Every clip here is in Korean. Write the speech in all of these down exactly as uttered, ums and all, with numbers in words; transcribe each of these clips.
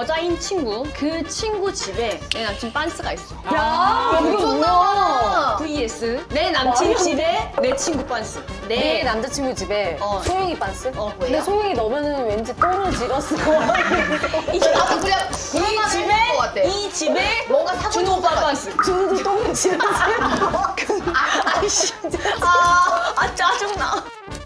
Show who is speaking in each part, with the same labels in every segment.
Speaker 1: 여자인 친구, 그 친구 집에 내 남친 빤스가 있어.
Speaker 2: 야, 이거 뭐야?
Speaker 1: vs 내 남친 집에 내 친구 빤스.
Speaker 2: 내
Speaker 1: 내
Speaker 2: 남자친구 집에
Speaker 1: 어.
Speaker 2: 소영이 빤스?
Speaker 1: 어,
Speaker 2: 근데
Speaker 1: 왜요?
Speaker 2: 소영이 넣으면 왠지 똥을 질었어.
Speaker 3: 나도 그냥
Speaker 1: 이
Speaker 3: 그런
Speaker 1: 집에
Speaker 3: 집에 것 같아.
Speaker 1: 이 집에
Speaker 3: 뭔가 사고
Speaker 1: 준호 오빠 빤스.
Speaker 2: 준우도 똥을 질었어.
Speaker 1: 아 진짜. 아, 아 짜증나.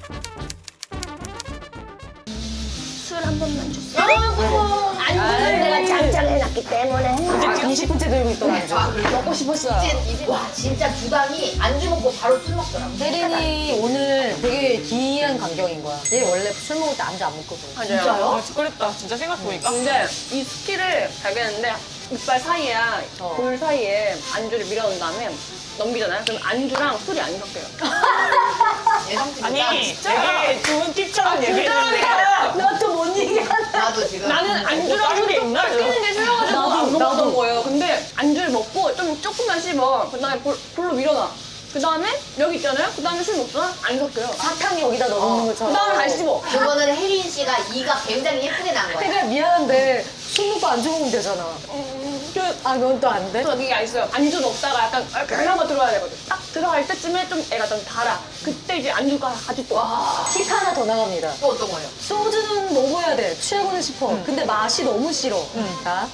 Speaker 1: 술 한 번만 주세요. 안주를 내가 장장해놨기 때문에.
Speaker 2: 이제 이십 분째 들고 있던 안주.
Speaker 3: 아, 그래?
Speaker 1: 먹고 싶었어요.
Speaker 3: 이제, 이제 와 진짜 주당이 안주 먹고 바로 술 먹더라고.
Speaker 2: 혜린이 오늘 되게 기이한 광경인 거야. 얘 원래 술 먹을 때 안주 안 먹거든.
Speaker 1: 맞아요.
Speaker 4: 아, 그랬다. 진짜 생각해보니까.
Speaker 1: 근데 이 스킬을 발견했는데 이빨 사이에
Speaker 2: 어.
Speaker 1: 볼 사이에 안주를 밀어놓은 다음에 넘기잖아요. 그럼 안주랑 술이 안 섞여요.
Speaker 3: 예상치가
Speaker 4: 아니, 되게 좋은 팁처럼 얘기했는데.
Speaker 2: 나도 못 얘기하네.
Speaker 3: 나도 지금
Speaker 1: 나는 안주랑
Speaker 4: 다른 게
Speaker 1: 술이
Speaker 4: 있나?
Speaker 1: 섞이는 게 싫어가지고
Speaker 2: 나도,
Speaker 1: 안 먹었던
Speaker 2: 나도.
Speaker 1: 거예요. 근데 안주를 먹고 좀 조금만 씹어. 그 다음에 볼, 볼로 밀어놔. 그 다음에 여기 있잖아요. 그 다음에 술 먹잖아. 안 섞여요.
Speaker 2: 사탕 여기다 넣는
Speaker 1: 그
Speaker 2: 것처럼.
Speaker 1: 다음에 다시 씹어.
Speaker 3: 그거는 혜린 씨가 이가 굉장히 예쁘게 난 거야.
Speaker 2: 그러니까 미안한데 술 먹고 안주 먹으면 되잖아. 아, 넌 또 안 돼?
Speaker 1: 또 여기가 있어요. 안주 먹다가 약간 그나마 들어가야 되거든. 딱 들어갈 때쯤에 좀 애가 좀 달아. 그때 이제 안주가 아주 또.
Speaker 3: 와,
Speaker 2: 팁 하나 더 나갑니다.
Speaker 3: 또 어떤 거예요?
Speaker 2: 소주는 먹어야 돼. 취하고는 싶어. 근데 맛이 너무 싫어. 자.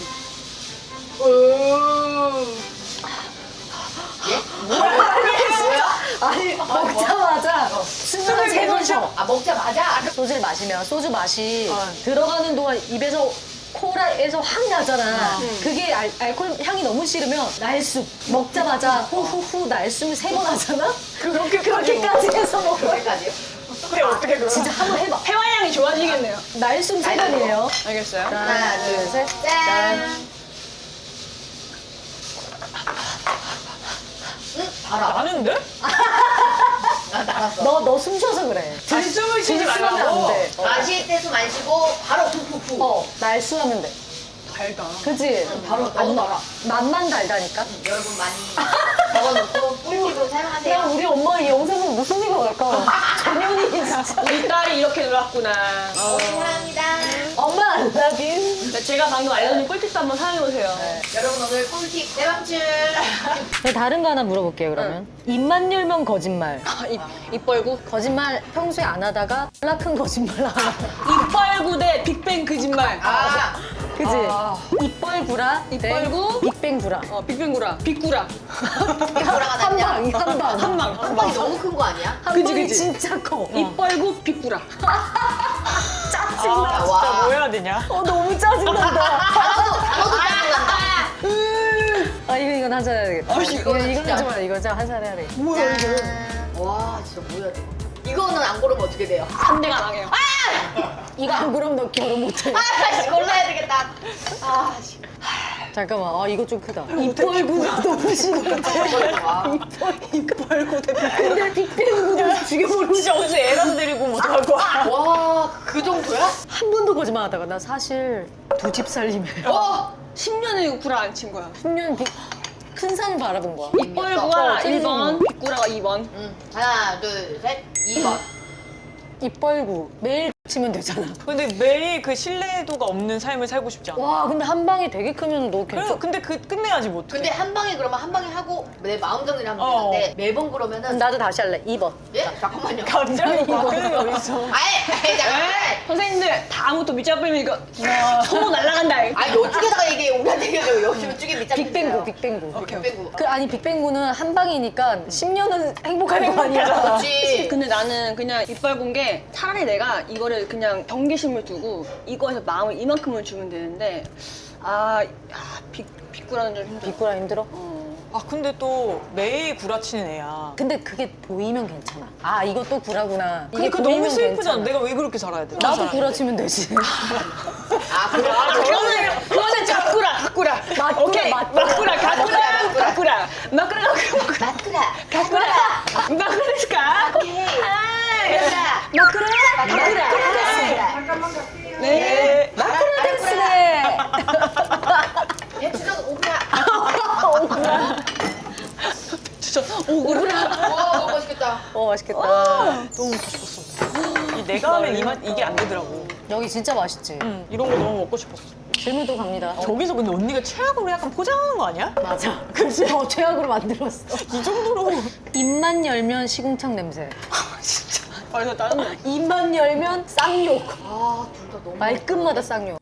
Speaker 2: 아니, 먹자마자 숨을 세 번 쉬어.
Speaker 3: 아 먹자마자
Speaker 2: 소주를 마시면 소주 맛이 들어가는 동안 입에서 코라에서 확 나잖아. 그게 알, 알코올 향이 너무 싫으면 날숨. 먹자마자 후후후 날숨을 세 번 하잖아?
Speaker 4: 그렇게
Speaker 2: 그렇게까지 해서 먹어.
Speaker 3: 그렇게까지요?
Speaker 4: 근데 어떻게 그럼?
Speaker 2: 진짜 한번 해봐.
Speaker 1: 해화량이 좋아지겠네요.
Speaker 2: 날숨 세 번이에요.
Speaker 1: 알겠어요?
Speaker 3: 하나, 둘,
Speaker 2: 셋.
Speaker 3: 짠. 응, 달아.
Speaker 4: 나는데?
Speaker 3: 나 달았어.
Speaker 2: 너, 너 숨 쉬어서 그래.
Speaker 4: 아, 숨을 쉬지
Speaker 2: 들이쓰면
Speaker 4: 말라고?
Speaker 2: 안 돼. 어.
Speaker 3: 마실 때 숨 안 쉬고 바로 푹푹푹.
Speaker 2: 어, 날숨하면 돼.
Speaker 1: 달다.
Speaker 2: 그치?
Speaker 3: 바로 너무 달아.
Speaker 2: 맛만 달다니까?
Speaker 3: 여러분 많이 적어놓고 꿀팁으로
Speaker 2: 야,
Speaker 3: 사용하세요.
Speaker 2: 우리 엄마 이 영상 보면 무슨 생각 할까? 전현이 진짜.
Speaker 1: 우리 딸이 이렇게 놀았구나.
Speaker 3: 어, 사랑합니다.
Speaker 2: 엄마 안 나긴.
Speaker 1: 근데 제가 방금 알려준 꿀팁도 한번 사용해보세요.
Speaker 3: 여러분 오늘 꿀팁 대방출.
Speaker 2: 다른 거 하나 물어볼게요, 그러면. 입만 열면 거짓말.
Speaker 1: 아, 입, 입 벌구?
Speaker 2: 거짓말 평소에 안 하다가 졸라 큰 거짓말 하나.
Speaker 1: 입 벌구 대 빅뱅 거짓말.
Speaker 3: 아,
Speaker 2: 그지? 입벌구라.
Speaker 1: 입 벌구?
Speaker 2: 빅뱅구라.
Speaker 1: 어, 빅뱅구라. 빅구라.
Speaker 3: 돌아가
Speaker 2: 한
Speaker 3: 냐
Speaker 2: 방, 한 방.
Speaker 1: 한 방.
Speaker 3: 한 방이 너무 큰 거 아니야?
Speaker 2: 한
Speaker 1: 그지,
Speaker 2: 방이
Speaker 1: 그지.
Speaker 2: 진짜 커.
Speaker 1: 입 벌구 빅구라.
Speaker 2: 짜증나.
Speaker 3: 아,
Speaker 4: 진짜
Speaker 3: 와.
Speaker 4: 뭐 해야 되냐?
Speaker 2: 어, 너무 짜증난다.
Speaker 3: 단어도 단어도 짜증난다.
Speaker 2: 아, 이거, 이건 한잔 해야 되겠다.
Speaker 3: 아,
Speaker 2: 이거,
Speaker 3: 이거는
Speaker 2: 이건
Speaker 3: 진짜.
Speaker 2: 하지 마. 이거 좀 한잔 해야 되겠다.
Speaker 3: 뭐야 이거? 와 진짜 뭐야 이거? 이거는 안 고르면 어떻게 돼요?
Speaker 1: 삼 대가 나게요.
Speaker 2: 이거 안 그럼 너 결혼 못해.
Speaker 3: 아, 씨, 골라야 되겠다. 아, 씨.
Speaker 2: 잠깐만, 아, 이거 좀 크다. 입벌구가 너무 심한데.
Speaker 3: 와.
Speaker 2: 근데 빅뱅구를 죽여버리고
Speaker 4: 진짜 어디서 애라도 데리고 못 갈 거야.
Speaker 3: 와, 그 정도야?
Speaker 2: 한 번도 거짓말 하다가 나 사실 두 집 살림에
Speaker 3: 어?
Speaker 1: 십 년을 구라 안 친 거야.
Speaker 2: 십 년 큰 산 바라본 거야.
Speaker 1: 입 벌구가
Speaker 2: 어,
Speaker 1: 일 번, 빅구라가 이 번.
Speaker 3: 응. 하나, 둘, 셋, 이 번.
Speaker 2: 입벌구 매일 치면 되잖아.
Speaker 4: 근데 매일 그 신뢰도가 없는 삶을 살고 싶지 않아.
Speaker 2: 와, 근데 한 방이 되게 크면 너
Speaker 4: 그래서
Speaker 2: 괜찮.
Speaker 4: 근데 그 끝내야지 못.
Speaker 3: 근데 한 방에 그러면 한 방에 하고 내 마음 정리를 하면
Speaker 4: 어.
Speaker 3: 되는데 매번 그러면은
Speaker 2: 나도 다시 할래. 이 번.
Speaker 3: 예? 잠깐만요.
Speaker 4: 갑자기 바뀌는 게 어딨어.
Speaker 3: 아예, 아예 잠깐만.
Speaker 1: 선생님들 다음부터 밑잡 뿌리면 이거 소문 날라간다.
Speaker 3: 아, 이쪽에다가 이게 우리한테 얘기하자고 여기 이쪽에 밑잡
Speaker 2: 빅뱅구, 빅뱅구.
Speaker 3: 빅뱅구.
Speaker 2: 그 아니 빅뱅구는 한 방이니까 십 년은 행복할 거 아니야.
Speaker 3: 그렇지.
Speaker 1: 근데 나는 그냥 입 벌군 게 차라리 내가 이거를 그냥 경계심을 두고 이거에서 마음을 이만큼을 주면 되는데 아, 야, 빅, 빅구라는 좀 힘들어.
Speaker 2: 빅구라 힘들어?
Speaker 1: 어.
Speaker 4: 아 근데 또 매일 구라치는 애야.
Speaker 2: 근데 그게 보이면 괜찮아. 아, 이것도 구라구나.
Speaker 4: 근데
Speaker 2: 이게
Speaker 4: 그 너무
Speaker 2: 보이면
Speaker 4: 슬프잖아.
Speaker 2: 괜찮아.
Speaker 4: 내가 왜 그렇게 살아야 돼?
Speaker 2: 나도 구라치면 되지.
Speaker 3: 아, 그래.
Speaker 1: 그거는 그거는 작구라, 작구라.
Speaker 2: 맞구라,
Speaker 1: 오케이,
Speaker 2: 맞구라.
Speaker 1: 맞구라, 가꾸라,
Speaker 3: 맞구라.
Speaker 1: 가꾸라, 마꾸라, 가꾸라,
Speaker 3: 마크라.
Speaker 1: 가꾸라, 마꾸라스까?
Speaker 3: 오케이. 마크라.
Speaker 1: 마꾸라, 가꾸라.
Speaker 3: 잠깐만 갈게요.
Speaker 1: 네.
Speaker 2: 마크라 댄스네.
Speaker 3: 배추전 오그라.
Speaker 1: 진짜 오그라.
Speaker 3: 와, 너무 맛있겠다.
Speaker 2: 어, 맛있겠다.
Speaker 4: 너무 먹고 싶었어. 이 내가 하면 이 맛, 이게 안 되더라고.
Speaker 2: 여기 진짜 맛있지?
Speaker 4: 응, 이런 거 너무 먹고 싶었어.
Speaker 2: 질문 또 갑니다.
Speaker 4: 저기서 근데 언니가 최악으로 약간 포장하는 거 아니야?
Speaker 2: 맞아. 그치? 더 최악으로 만들었어.
Speaker 4: 이 정도로.
Speaker 2: 입만 열면 시궁창 냄새.
Speaker 1: 아, 이거 다른
Speaker 2: 입만 열면 쌍욕.
Speaker 3: 아, 둘 다 너무.
Speaker 2: 말끝마다 쌍욕.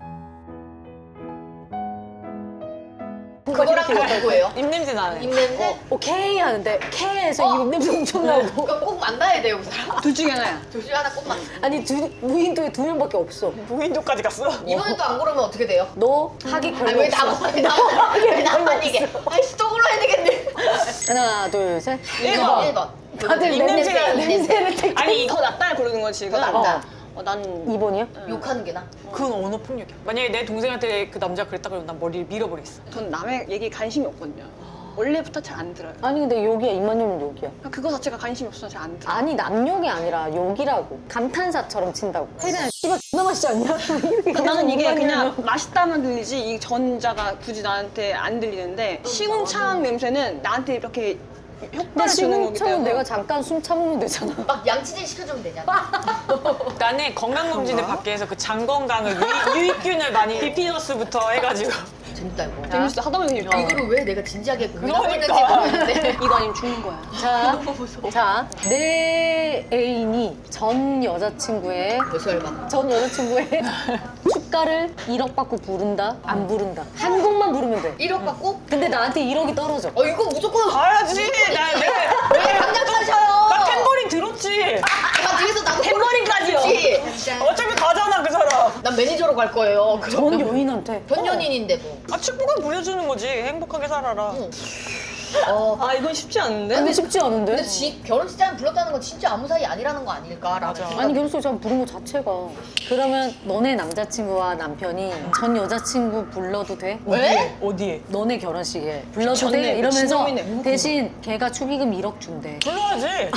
Speaker 3: 그거랑 그거 누구예요?
Speaker 4: 입냄새 나네.
Speaker 3: 입냄새?
Speaker 2: 오케이 하는데 K에서 입 냄새 엄청 나고.
Speaker 3: 그럼 꼭 만나야 돼요, 그 사람.
Speaker 1: 둘 중에 하나야.
Speaker 3: 둘 중에 하나 꼭 만나.
Speaker 2: 아니 두, 무인도에 두 명밖에 없어.
Speaker 4: 무인도까지 갔어?
Speaker 3: 이번엔 또 안 고르면 어떻게 돼요?
Speaker 2: 너 하기
Speaker 3: 아니,
Speaker 2: 별로
Speaker 3: 왜
Speaker 2: 없어.
Speaker 3: 나만, 왜 나만, 왜 나만 이게. 아이씨, 또 골라야 되겠네.
Speaker 2: 하나 둘 셋.
Speaker 3: 일 번. 일 번.
Speaker 2: 다들
Speaker 4: 입냄새가
Speaker 2: 냄새, 냄새를 택.
Speaker 1: 아니, 더 낫다를 고르는 거지, 지금.
Speaker 3: 더 낫다.
Speaker 1: 어, 난
Speaker 2: 이 번이요?
Speaker 3: 욕하는 게 나.
Speaker 4: 그건 언어 폭력이야. 만약에 내 동생한테 그 남자가 그랬다 그러면 난 머리를 밀어버리겠어.
Speaker 1: 전 남의 얘기에 관심이 없거든요. 원래부터 잘 안 들어요.
Speaker 2: 아니 근데 욕이야. 입만 열면 욕이야.
Speaker 1: 그거 자체가 관심이 없어서 잘 안 들어요.
Speaker 2: 아니 남욕이 아니라 욕이라고. 감탄사처럼 친다고. 혜린아 씨발 존나 맛있지 않냐? 이렇게
Speaker 1: 그 나는 이게
Speaker 2: 입만
Speaker 1: 그냥
Speaker 2: 열면.
Speaker 1: 맛있다만 들리지 이 전자가 굳이 나한테 안 들리는데 시궁창 냄새는 나한테 이렇게
Speaker 2: 근데
Speaker 1: 효과를 주는 거기
Speaker 2: 시궁창은
Speaker 1: 때문에
Speaker 2: 내가 잠깐 숨 참으면 되잖아.
Speaker 3: 막 양치질 시켜주면 되잖아.
Speaker 4: 나는 건강검진을 받기 위해서 그 장 건강을 유익, 유익균을 많이 비피너스부터 해가지고
Speaker 3: 재밌다, 이거.
Speaker 1: 재밌어 하다 보니 재밌다.
Speaker 3: 이거를 왜 내가 진지하게 고민하고
Speaker 4: 그러니까.
Speaker 3: 있는지 모르겠는데.
Speaker 1: 이거 아니면 죽는 거야.
Speaker 2: 자, 자, 내 애인이 전 여자친구의
Speaker 3: 벌써 얼마?
Speaker 2: 전 여자친구의 축가를 일억 받고 부른다? 안 부른다? 한 곡만 부르면 돼.
Speaker 3: 일억 받고?
Speaker 2: 근데 나한테 일억이 떨어져.
Speaker 3: 어, 이거 무조건.
Speaker 4: 가야지. 나 내가
Speaker 3: 왜 당장 타셔요?
Speaker 4: 나 탬버린 들었지.
Speaker 3: 나 뒤에서 나도
Speaker 1: 탬버린까지요?
Speaker 4: 어차피 가잖아 그 사람.
Speaker 3: 난 매니저로 갈 거예요.
Speaker 2: 전 여인한테.
Speaker 3: 전 연인인데 뭐.
Speaker 4: 아 축복은 부려주는 거지. 행복하게 살아라.
Speaker 3: 응. 어.
Speaker 1: 아 이건 쉽지 않은데?
Speaker 2: 근데 쉽지 않은데?
Speaker 3: 근데 지, 결혼식장에 불렀다는 건 진짜 아무 사이 아니라는 거 아닐까라는
Speaker 4: 맞아.
Speaker 3: 생각.
Speaker 2: 아니 결혼식 장 부른 거 자체가. 그러면 너네 남자친구와 남편이 전 여자친구 불러도 돼?
Speaker 3: 왜?
Speaker 4: 어디에?
Speaker 2: 너네 결혼식에 불러도
Speaker 1: 미쳤네,
Speaker 2: 돼? 이러면서
Speaker 1: 미친놈이네.
Speaker 2: 대신 걔가 축의금 일억 준대.
Speaker 4: 불러야지.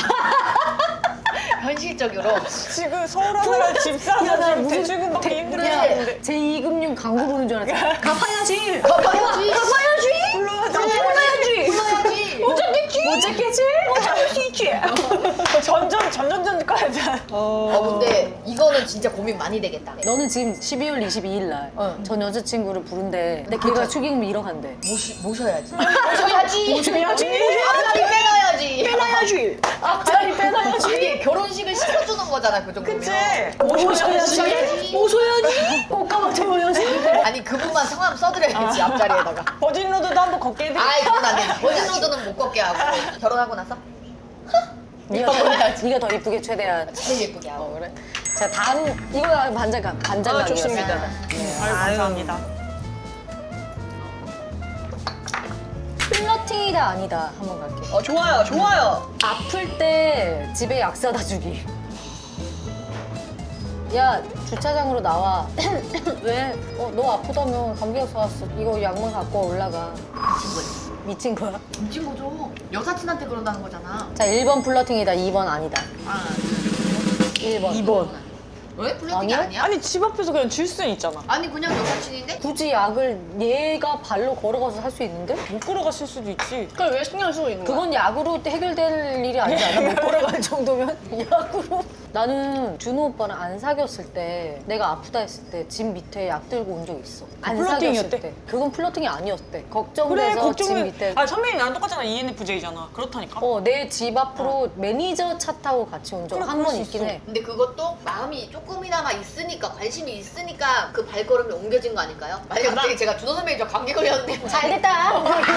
Speaker 3: 현실적으로.
Speaker 4: 지금 서울 하느라 집 사서
Speaker 2: 야, 나
Speaker 4: 지금
Speaker 2: 무슨
Speaker 4: 대출금 받기
Speaker 2: 대-
Speaker 4: 힘들었는데.
Speaker 2: 제이금융 광고 보는 줄 알았어. 갚아야지.
Speaker 3: 갚아야지.
Speaker 2: 갚아야지.
Speaker 4: 불러야지.
Speaker 3: 불러야지. 불러야지.
Speaker 2: 못 잡겠지? 못 잡을 수 있지.
Speaker 4: 전전 전전전 가야지.
Speaker 3: 어, 근데 이거는 진짜 고민 많이 되겠다.
Speaker 2: 너는 지금 십이월 이십이일 날 전
Speaker 3: 어.
Speaker 2: 여자친구를 부른대. 근데 걔가 축의금 일억 한대.
Speaker 3: 모시, 모셔야지. 모셔야지.
Speaker 4: 모셔야지.
Speaker 3: 앞다리 빼놔야지.
Speaker 1: 빼놔야지.
Speaker 2: 앞자리 빼놔야지.
Speaker 3: 아니, 결혼식을 시켜주는 거잖아, 그 정도면.
Speaker 4: 그치?
Speaker 3: 모셔야지.
Speaker 2: 모셔야지. 꽃가마 채워야지.
Speaker 3: 아니, 그분만 성함 써드려야지, 앞자리에다가.
Speaker 4: 버진로드도 한번 걷게 해드릴게.
Speaker 3: 아이, 그건 안 돼. 버진로드는 못 걷게 하고. 결혼하고 나서?
Speaker 2: 네가 더, 네가 더 이쁘게 최대한.
Speaker 3: 제일 예쁘게 하고.
Speaker 2: 어, 그래. 자 다음 이거 반장감 반장감이었어.
Speaker 1: 아, 좋습니다.
Speaker 4: 아유 감사합니다.
Speaker 2: 플러팅이다 아니다 한번 갈게.
Speaker 1: 어 좋아요, 좋아요.
Speaker 2: 아플 때 집에 약 사다 주기. 야 주차장으로 나와. 왜? 어, 너 아프다며 감기약 사왔어. 이거 약만 갖고 올라가.
Speaker 3: 미친 거지.
Speaker 2: 미친 거야?
Speaker 3: 미친 거죠. 여사친한테 그런다는 거잖아.
Speaker 2: 자 일 번 플러팅이다 이 번 아니다.
Speaker 3: 아,
Speaker 2: 일 번.
Speaker 4: 이 번.
Speaker 3: 왜? 플러팅이
Speaker 2: 아니야?
Speaker 3: 아니야?
Speaker 4: 아니 집 앞에서 그냥 줄 수는 있잖아.
Speaker 3: 아니, 그냥 여사친인데?
Speaker 2: 굳이 약을 얘가 발로 걸어가서 살 수 있는데?
Speaker 4: 못 걸어갔을 수도 있지.
Speaker 1: 그걸 왜 신경 쓰고 있는 거야?
Speaker 2: 그건 약으로 해결될 일이 아니지 않아? 못 걸어갈 정도면? 약으로? 나는 준호 오빠랑 안 사귀었을 때 내가 아프다 했을 때 집 밑에 약 들고 온 적 있어. 안 사귀었을
Speaker 4: 플러팅이었대?
Speaker 2: 때. 그건 플러팅이 아니었대.
Speaker 4: 그래
Speaker 2: 걱정돼서 집
Speaker 4: 걱정은.
Speaker 2: 밑에.
Speaker 4: 아 선배님 나랑 똑같잖아. 이엔에프제이잖아. 그렇다니까.
Speaker 2: 어, 내 집 앞으로 매니저 차 타고 같이 온 적
Speaker 4: 그래,
Speaker 2: 한
Speaker 4: 그럴
Speaker 2: 번
Speaker 4: 수
Speaker 2: 있긴
Speaker 4: 있어.
Speaker 2: 해.
Speaker 3: 근데 그것도 마음이 조금이나마 있으니까, 관심이 있으니까 그 발걸음이 옮겨진 거 아닐까요? 만약에 갑자기 제가 준호 선배님 저 감기 걸렸는데.
Speaker 2: 잘 됐다.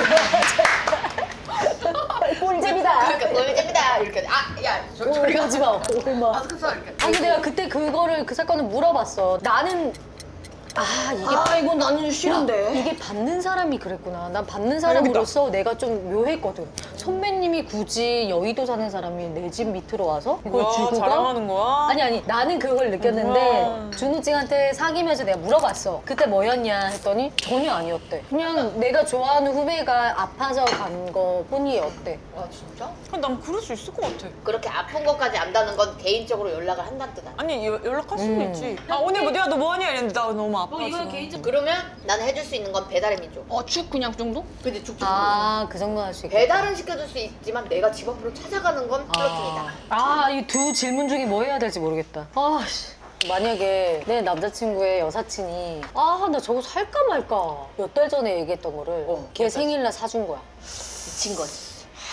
Speaker 2: 꿀잼이다.
Speaker 3: 그러니까 꿀잼이다. 이렇게. 아, 야, 저, 저리 가.
Speaker 2: 오지 마. 얼마.
Speaker 3: 마스크 써. 이렇게.
Speaker 2: 아니 내가 그때 그거를 그 사건을 물어봤어. 나는 아 이게
Speaker 1: 아 이건 나는 싫은데.
Speaker 2: 이게 받는 사람이 그랬구나. 난 받는 사람으로서 내가 좀 묘했거든. 선배님이 굳이 여의도 사는 사람이 내 집 밑으로 와서 이걸
Speaker 4: 와,
Speaker 2: 주고 가?
Speaker 4: 자랑하는 거야?
Speaker 2: 아니 아니 나는 그걸 느꼈는데
Speaker 4: 우와.
Speaker 2: 준우 찡한테 사귀면서 내가 물어봤어. 그때 뭐였냐 했더니 전혀 아니었대. 그냥 내가 좋아하는 후배가 아파서 간 거뿐이었대.
Speaker 3: 아, 진짜?
Speaker 4: 그럼 난 그럴 수 있을 것 같아.
Speaker 3: 그렇게 아픈 것까지 안다는 건 개인적으로 연락을 한다는 뜻 아니야?
Speaker 4: 아니 여- 연락할 수도
Speaker 2: 음.
Speaker 4: 있지. 아 오늘 뭐 내가 너 뭐하냐 이랬는데 나 너무 아빠 지금.
Speaker 3: 그러면 난 해줄 수 있는 건 배달의 민족.
Speaker 1: 어축 그냥 그 정도?
Speaker 3: 근데 죽죽
Speaker 2: 아, 그 정도 할 수 있겠다.
Speaker 3: 배달은 시켜줄 수 있지만 내가 집 앞으로 찾아가는 건 플러팅이다.
Speaker 2: 아, 이 두 질문 중에 뭐 해야 될지 모르겠다. 아, 씨. 만약에 내 남자친구의 여사친이 아, 나 저거 살까 말까 몇 달 전에 얘기했던 거를
Speaker 3: 어,
Speaker 2: 걔 생일날 사준 거야.
Speaker 3: 미친 거지.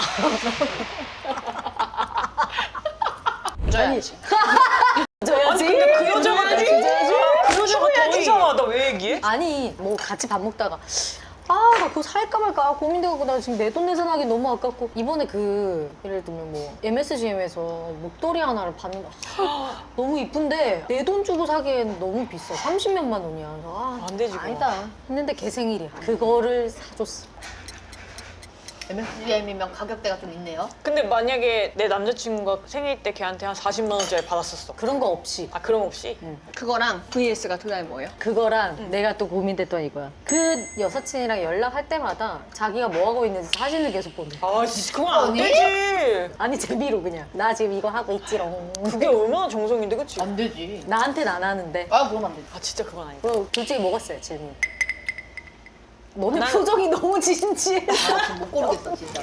Speaker 1: 줘야지.
Speaker 2: 줘야지.
Speaker 4: 근데 그 여자가
Speaker 2: 줘야지.
Speaker 4: 그 여자가 더 이상하다. 왜 얘기해?
Speaker 2: 아니, 뭐 같이 밥 먹다가 아, 나 그거 살까 말까 고민되고 나 지금 내 돈 내산하기 너무 아깝고 이번에 그 예를 들면 뭐 엠에스지엠에서 목도리 하나를 봤는데 아, 너무 이쁜데 내 돈 주고 사기엔 너무 비싸. 삼십몇만 원이야. 그래서 아,
Speaker 4: 안 되지, 그거.
Speaker 2: 아니다 했는데 걔 생일이야. 그거를 사줬어.
Speaker 3: 엠에스지엠이면 가격대가 좀 있네요.
Speaker 4: 근데 만약에 내 남자친구가 생일 때 걔한테 한 사십만 원짜리 받았었어.
Speaker 2: 그런 거 없이
Speaker 4: 아 그럼 없이?
Speaker 1: 그거랑 브이에스가 그 다음에 뭐예요?
Speaker 2: 그거랑 내가 또 고민됐던 이거야. 그 여사친이랑 연락할 때마다 자기가 뭐 하고 있는지 사진을 계속 보내.
Speaker 4: 아 진짜 그건 안
Speaker 3: 언니?
Speaker 4: 되지.
Speaker 2: 아니 재미로 그냥 나 지금 이거 하고 있지롱.
Speaker 4: 그게 얼마나 정성인데 그치?
Speaker 3: 안 되지.
Speaker 2: 나한테는 안 하는데.
Speaker 3: 아 그럼 안 되지.
Speaker 4: 아 진짜 그건 아니다.
Speaker 2: 그럼 둘 중에 뭐가 써요 질문? 너네
Speaker 4: 난-
Speaker 2: 표정이 너무 진지해.
Speaker 3: 아, 지금 못 고르겠어 진짜.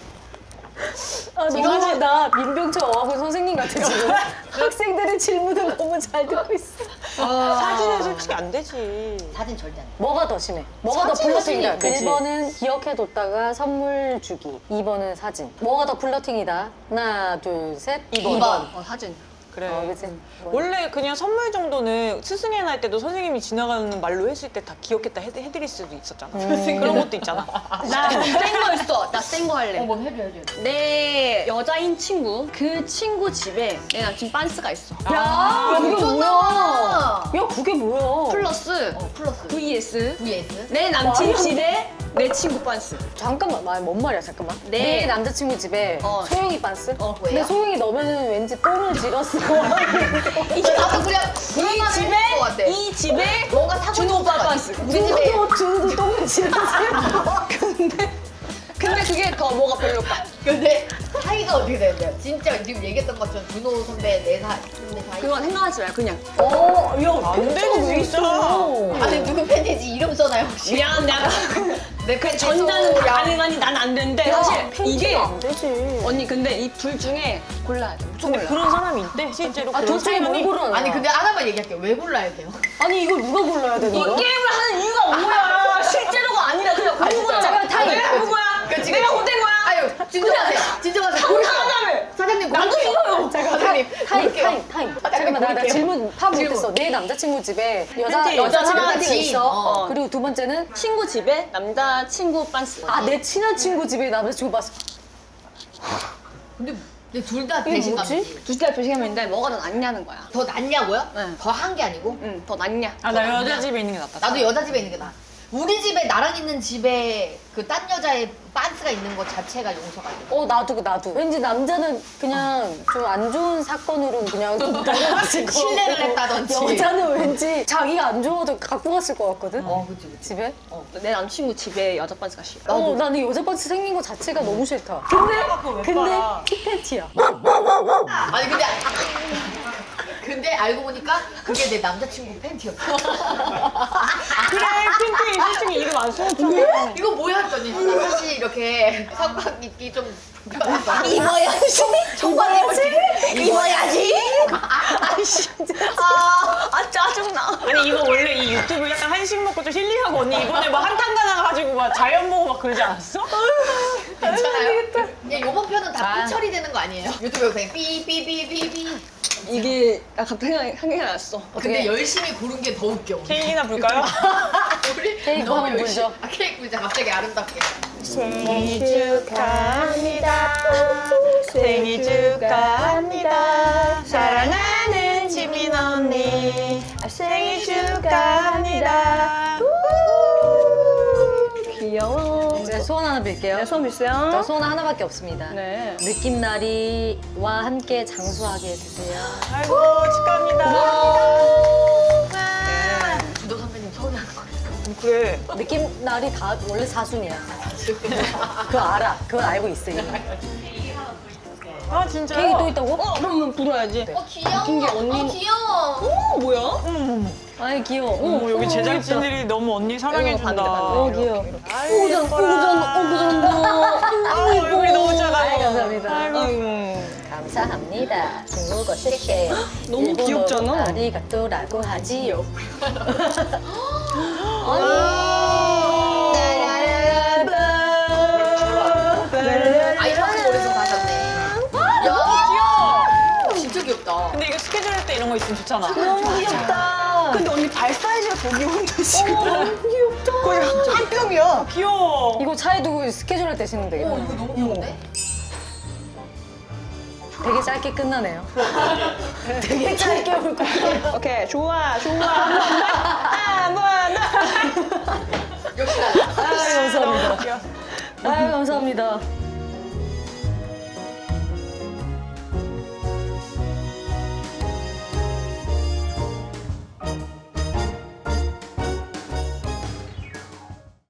Speaker 2: 아, 너무 나 민병철 어학원 선생님 같아 지금. 학생들의 질문을 너무 잘 듣고 있어.
Speaker 4: 사진은 솔직히 안 되지.
Speaker 3: 사진 절대 안 돼.
Speaker 2: 뭐가 더 심해? 뭐가 더
Speaker 4: 사진이
Speaker 2: 플러팅이다?
Speaker 4: 그치.
Speaker 2: 일 번은 기억해뒀다가 선물 주기. 이 번은 사진. 뭐가 더 플러팅이다? 하나, 둘, 셋. 이 번.
Speaker 3: 이 번.
Speaker 1: 어, 사진.
Speaker 4: 그래.
Speaker 2: 어, 그치?
Speaker 4: 원래 그냥 선물 정도는 스승의 날 때도 선생님이 지나가는 말로 했을 때 다 기억했다 해, 해드릴 수도 있었잖아. 그런 것도 있잖아.
Speaker 1: 나센 거 있어. 나 센 거 할래.
Speaker 3: 뭐 해줘 해줘.
Speaker 1: 내 여자인 친구, 그 친구 집에 내 남친 빤스가 있어.
Speaker 2: 야, 그게
Speaker 3: 미쳤나
Speaker 2: 뭐야?
Speaker 3: 봐.
Speaker 2: 야, 그게 뭐야?
Speaker 1: 플러스
Speaker 3: 어 플러스
Speaker 1: 브이에스
Speaker 3: 브이에스.
Speaker 1: 내 남친
Speaker 2: 말이 안
Speaker 1: 집에 내 친구 빤스.
Speaker 2: 잠깐만, 말, 뭔 말이야, 잠깐만.
Speaker 1: 네.
Speaker 2: 내 남자친구 집에
Speaker 1: 어.
Speaker 2: 소영이 빤스?
Speaker 1: 어,
Speaker 2: 근데
Speaker 3: 왜요?
Speaker 2: 소영이 넣으면 왠지 똥을 질었어.
Speaker 3: 이게 나도 그냥
Speaker 1: 이
Speaker 3: 그런 말을
Speaker 1: 집에
Speaker 3: 했을 것 같아.
Speaker 1: 이 집에
Speaker 3: 뭔가 사고
Speaker 1: 준호 오빠
Speaker 3: 싶은 거
Speaker 1: 빤스.
Speaker 3: 같아. 우리 집에
Speaker 2: 준호도, 준호도 똥을 질었어.
Speaker 1: 근데 근데 그게 더 뭐가 별로일까?
Speaker 3: 근데 사이가 어떻게 되는데요? 진짜 지금 얘기했던 것처럼 준호 선배 네 살 선배 사이.
Speaker 1: 그건 생각하지 말고 그냥
Speaker 2: 어, 야,
Speaker 4: 안 되지,
Speaker 2: 왜
Speaker 4: 진짜.
Speaker 2: 있어?
Speaker 3: 아니 누구 팬티지 이름 써놔요 혹시?
Speaker 1: 미안 내가
Speaker 3: 내
Speaker 1: 그
Speaker 3: 팬티
Speaker 1: 전자는 다
Speaker 3: 소야.
Speaker 1: 가능하니 난 안 되는데 사실 이게
Speaker 2: 팬티가 안 되지.
Speaker 1: 언니 근데 이 둘 중에 골라야 돼. 무조건 골라.
Speaker 4: 그런 사람이 있대 실제로.
Speaker 2: 아,
Speaker 4: 그런
Speaker 2: 둘 중에 뭘
Speaker 4: 사연이.
Speaker 2: 고르나?
Speaker 3: 아니 근데 하나만 얘기할게요. 왜 골라야 돼요?
Speaker 2: 아니, 이걸 누가 골라야 되는
Speaker 1: 이
Speaker 2: 거야?
Speaker 1: 게임을 하는 이유가 뭐야? 실제로가 아니라 그냥
Speaker 3: 아,
Speaker 1: 누구야?
Speaker 3: 진짜.
Speaker 2: 타임.
Speaker 1: 내가 누구야?
Speaker 3: 그치,
Speaker 1: 내가
Speaker 3: 그치.
Speaker 1: 못된 거야?
Speaker 3: 아유 진정하세요. 진정하세요.
Speaker 1: 당당하다며.
Speaker 3: 사장님
Speaker 1: 나도
Speaker 3: 고를게요.
Speaker 1: 이거요.
Speaker 3: 사장님
Speaker 2: 타임,
Speaker 3: 고를게요.
Speaker 2: 타임, 타임.
Speaker 3: 아,
Speaker 2: 잠깐만, 나, 나
Speaker 3: 볼게요.
Speaker 2: 질문 파악
Speaker 3: 질문.
Speaker 2: 못했어. 내 남자친구 집에 여자,
Speaker 4: 팬티.
Speaker 2: 여자
Speaker 3: 여자
Speaker 2: 팬티가
Speaker 3: 지인.
Speaker 2: 있어.
Speaker 3: 어.
Speaker 2: 그리고 두 번째는
Speaker 1: 친구 집에 남자 친구 빤스.
Speaker 2: 아, 내 친한 친구 집에 남자친구 봤어.
Speaker 3: 근데 둘 다
Speaker 2: 이게
Speaker 3: 배신감이지.
Speaker 1: 두시대 배신감인데 뭐가 더 낫냐는 거야.
Speaker 3: 더 낫냐고요?
Speaker 1: 네.
Speaker 3: 더 한 게 아니고?
Speaker 1: 응, 더 낫냐?
Speaker 4: 아 나 여자 집에 있는 게 낫다.
Speaker 3: 나도 여자 집에 있는 게 나아. 우리 집에 나랑 있는 집에 그 딴 여자의 빤스가 있는 것 자체가 용서가 안 돼.
Speaker 2: 어, 나도, 나도. 왠지 남자는 그냥 좀 안 좋은 사건으로 그냥 넘어갔을 거
Speaker 3: 신뢰를 했다든지.
Speaker 2: 여자는 왠지 자기가 안 좋아도 갖고 갔을 것 같거든?
Speaker 3: 어, 그치, 그치.
Speaker 2: 집에?
Speaker 1: 내 남친구 집에 여자 빤스가 싫어.
Speaker 2: 어, 나는 여자 반스 생긴 거 자체가 너무 싫다. 근데,
Speaker 4: 그거 왜
Speaker 2: 근데
Speaker 4: 빨아?
Speaker 2: 힙팬티야.
Speaker 3: 아니, 근데. 근데 알고 보니까 그게 내 남자친구 팬티였어.
Speaker 4: 그래 팬티 솔직히 이름 안 써줬잖아.
Speaker 3: 이거 뭐야 했더니 나 사실 이렇게 상박 입기 좀 불편해서.
Speaker 1: 입어야지.
Speaker 3: 입어야지. 입어야지.
Speaker 1: 아이씨. 아, 아 짜증나.
Speaker 4: 아니 이거 원래 이 유튜브 약간 한식 먹고 좀 힐링하고 언니 이번에 뭐 한탕 가나가지고 막 자연 보고 막 그러지 않았어?
Speaker 3: 괜찮아요? 그냥 요번 편은 다 삐 처리되는 거 아니에요? 유튜브 영상에 삐삐삐삐삐.
Speaker 1: 이게 나 갑자기 생각이, 생각이 났어.
Speaker 3: 근데 열심히 고른 게 더 웃겨.
Speaker 4: 케이크나 불까요?
Speaker 3: 우리
Speaker 2: 케이크
Speaker 3: 너무
Speaker 2: 한번
Speaker 3: 열심히-
Speaker 2: 불죠.
Speaker 3: 아, 케이크 불자 갑자기 아름답게.
Speaker 4: 생일 축하합니다. 생일 축하합니다. 사랑하는 지민 언니 생일 축하합니다.
Speaker 1: 귀여워.
Speaker 2: 제가 소원 하나 빌게요.
Speaker 1: 네, 손
Speaker 2: 저
Speaker 1: 빌어요.
Speaker 2: 소원 하나밖에 없습니다.
Speaker 1: 네.
Speaker 2: 느낌나리와 함께 장수하게 해주세요.
Speaker 4: 아이고 축하합니다.
Speaker 3: 주도 선배님 서운해하는 거 같아요.
Speaker 4: 그래.
Speaker 2: 느낌나리 다 원래 사순이야. 그거 알아. 그걸 알고 있어 이미.
Speaker 4: 아 진짜.
Speaker 2: 케이크 또 있다고?
Speaker 1: 어, 그러면 불어야지.
Speaker 3: 어 귀여워.
Speaker 1: 웃긴 게 언니-
Speaker 3: 어 귀여워.
Speaker 1: 어, 뭐야?
Speaker 4: 어머 어머.
Speaker 2: 아이 귀여워.
Speaker 4: 어머, 여기 제작진들이 너무 언니 사랑해준다.
Speaker 1: 반대, 반대.
Speaker 2: 어 귀여워.
Speaker 4: 아유, 예뻐라. 아유, 얼굴이 너무 작아.
Speaker 2: 아이, 감사합니다.
Speaker 1: 아이고.
Speaker 2: 감사합니다. 중국어 쉐쉐.
Speaker 1: 너무 귀엽잖아.
Speaker 2: 아리가또라고 하지요.
Speaker 3: 아이폰 머리서 가셨네. 야,
Speaker 4: 귀여워.
Speaker 3: 진짜 귀엽다.
Speaker 4: 근데 이거 스케줄 할 때 이런 거 있으면 좋잖아.
Speaker 2: 너무 귀엽다.
Speaker 1: 근데 언니 발 사이즈가 더 귀여운데 지금. 너무 귀엽다. 거의 한 뼘이야.
Speaker 4: 귀여워.
Speaker 2: 이거 차에 두고 스케줄 할 때 쓰면 되겠다.
Speaker 3: 어, 이거 너무 귀여운데?
Speaker 2: 되게 짧게 끝나네요. 되게 짧게 올 거예요.
Speaker 1: 오케이, 좋아, 좋아. 한 번 더.
Speaker 3: 역시 나.
Speaker 2: 아유, 감사합니다.
Speaker 4: 귀여워.
Speaker 2: 아유, 감사합니다.